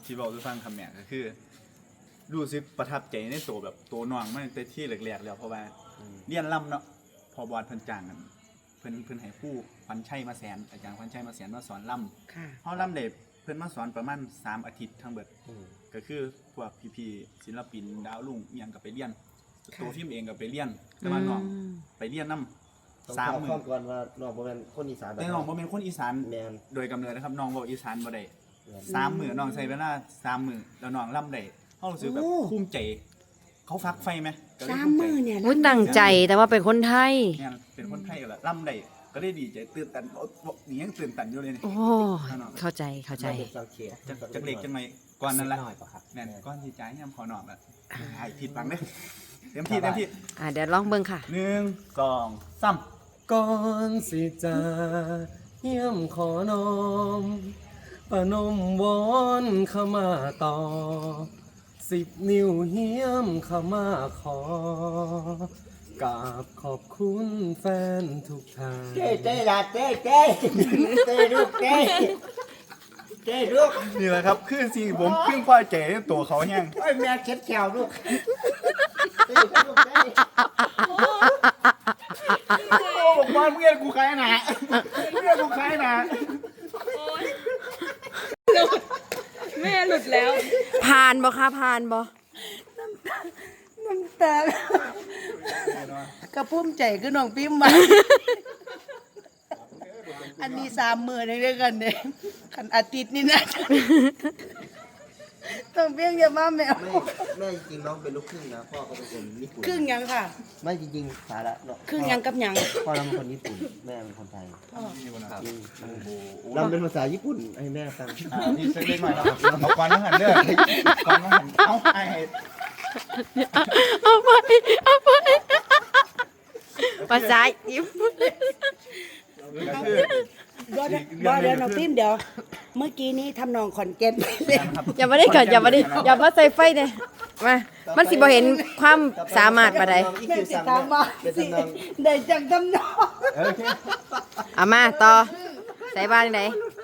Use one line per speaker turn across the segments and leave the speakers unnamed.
ที่บอกทุกฟังคำเนี่ยก็คือรู้สึกประทับใจในตัวแบบตัวน้องมันแต่ที่แรกๆแล้วเพราะว่าเรียนล่ำเนาะพอบอลเพิ่นจ้างกันเพิ่นให้ผู้พันชัยมาแสนอาจารย์พันชัยมาแสนมาสอนล่ำเฮาล่ำได้เพิ่นมาสอนประมาณ3 อาทิตย์ทั้งเบิดก็คือพวกพี่ๆศิลปินดาวรุ่งอีหยังก็ไปเรียนตัวฟิล์มเองก็ไปเรียนแต่ว่าน้องไปเรียนนำ3 มื้อ
ก่อนว่าน้องบ่แม่นคนอีสาน
แต่น้องบ่เป็นคนอีสานโดยกำเนิดนะครับน้องบอกอีสานบ่ได้3 มื้อน้องใช้เวลา3 มื้อแล้วน้องล่ำได้เฮารู้สึกแบบภูมิใจเขาฟักไฟไหม
3 มื้อเนี่ย
ตั้งใจแต่ว่าเป็นคนไทย
เนี่ยเป็นคนไทยก็ละล่ำได้ก็ได้ดีใจตื่นตันนี่ยังตื่นตันอยู่เลยนี่
โอ้เข้าใจ
จักเล็กจังไหมก่อนนั้นละแน่นก้อนที่จ่ายยำขอนอบอ่ะหายผิดบังเด้เต็มที่
เดี๋ยวลองเบิ่งค่ะ
1 2 3
ก่อนสิจะเยี่ยมขอนอมประนมวอนเข้ามาต่อ10 นิ้วเยี่ยมเข้ามาขอกราบขอบคุณแฟนทุกท่าน
เจ๊ล่ะเจ๊ลูกเจ๊ลูก
นี่แหละครับคือสิ่งผมเพิ่งพอใจในตัวเขาแห้ง
โอ้ยแม่เช็ดแขวลูก
โอ้บอกว่าเพื่อนกูใครนะ
แม่หลุดแล้ว
ผ่านบ่คะผ่านบ่
น้ำตากระพุ่มใจคือน้องพิมพ์มาอันนี้3 มื้อได้ด้วยกันเด้คันอาทิตย์นี่นะต้องเพียงอย่ามาแมว
แม่จริงน้องเป็นลูกครึ่งนะพ่อก็เป็นคนญี่ปุ่น
ครึ่งยังค่ะ
ไม่จริงๆสาระ
ครึ่งยังกับยัง
พ่อเราเป็นคนญี่ปุ่นแม่เป็นคนไทยเราเป็นภาษาญี่ปุ่นให้แม่ฟัง
นี่เล็กหน่อยครับเอาก่อนน้องหันเด้อก่อนน้องหันเอาไอ้
เอาไปภาษาญี่ปุ่น
เดี๋ยวน้องพิมพ์เดี๋ยวเมื่อกี้นี้ทำนองขอนแก่นไปเลย
อย่ามาได้ก่อนอย่ามาใส่ไฟเลยมามันสิบ่เห็นความสามารถปานใด
แม่สิตามมาสิได้จังทำนอง
เอามาต่อใส่บ้านไหน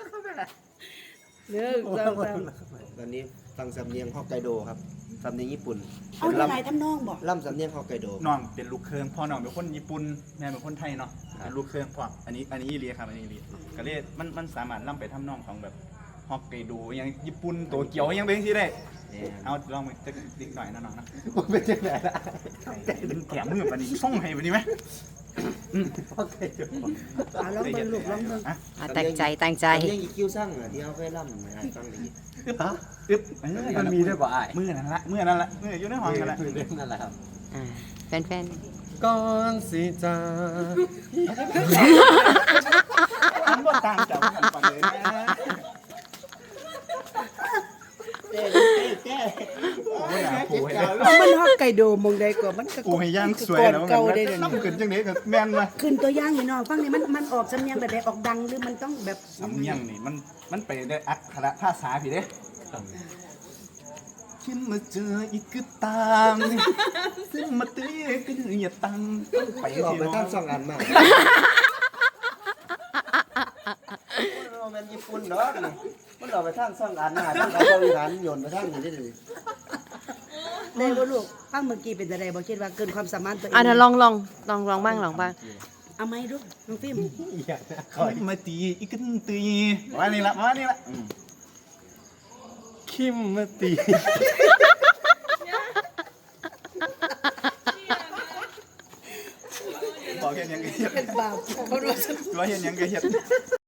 ตอนนี้ฟังสำเนียงฮอกไกโดครับสำเนียงญี่ปุ่น
เอาอะไรทำนองบอก
ล่ำสำเนียงฮอกไกโด
น้องเป็นลูกเครื่องพ่อน้องเป็นคนญี่ปุ่นแม่เป็นคนไทยเนาะเป็นลูกเครื่องพ่ออันนี้เรียครับอันนี้เรียก็เลยมันสามารถล่ำไปทำนองของแบบฮอกไกโดยังญี่ปุ่นโตเกียวยังเป็นที่ได้เอาลองไปจะดิหน่อยนะน้องนะ
เป็นจังไหนล่ะ
เป็นแถมมือปะนี่ส่งให้ปะนี่ไหม
ฮอกไกโด
ลองเบิ่งลูกลองเบิ่ง
ตั้งใจ
ยังอีคิวสั่งที่เขาเคยล่ำนะฟังดี
มันมีด้วยป่ะไอ้มือนั่นละมืออยู่ในห้องนั่นแหละ
นั่นแหละครับ
แฟน
ก่อนสิจ้า
อันบ่ต่างจากกันปานเลยนะ
มันฮอกไกโดมองใดก็มันก็
กูให้ย่างสวยแล้วมันน้ำขึ้นจังได๋ก็แม่นมา
ขึ้นตัวย่างนี่น้องฟังนี่มันออกสำเนียงแบบใดออกดังหรือมันต้องแบบ
สำเนียงนี่มันไปได้อักขระภาษาพี่เด้คิดมาเจออีกก็ตามซึ่งมาเตะก็ดื้ออย่าตังไป
ออกไปทั้ง2 อันมากมันญี่ปุ่นเนาะมันออกไปทั้ง2 อันทั้งบริหารโยนไปทั้งนี้ได้เลย
ได้บ่ลูกฟังเมื่อกี้เป็นอะไรบ่คิดว่าเกินความสามารถตัวเอง
เดี๋ยวลองบ้าง
เอาไหมลูกน้องฟิล์ม
มาตีอีกกันตีมานี่ละ
คิมมาตี
บอกเห็นยังไงเห็ด
เป็นบาปเขารู้สึก
ว่าเห็นยังไงเห็ด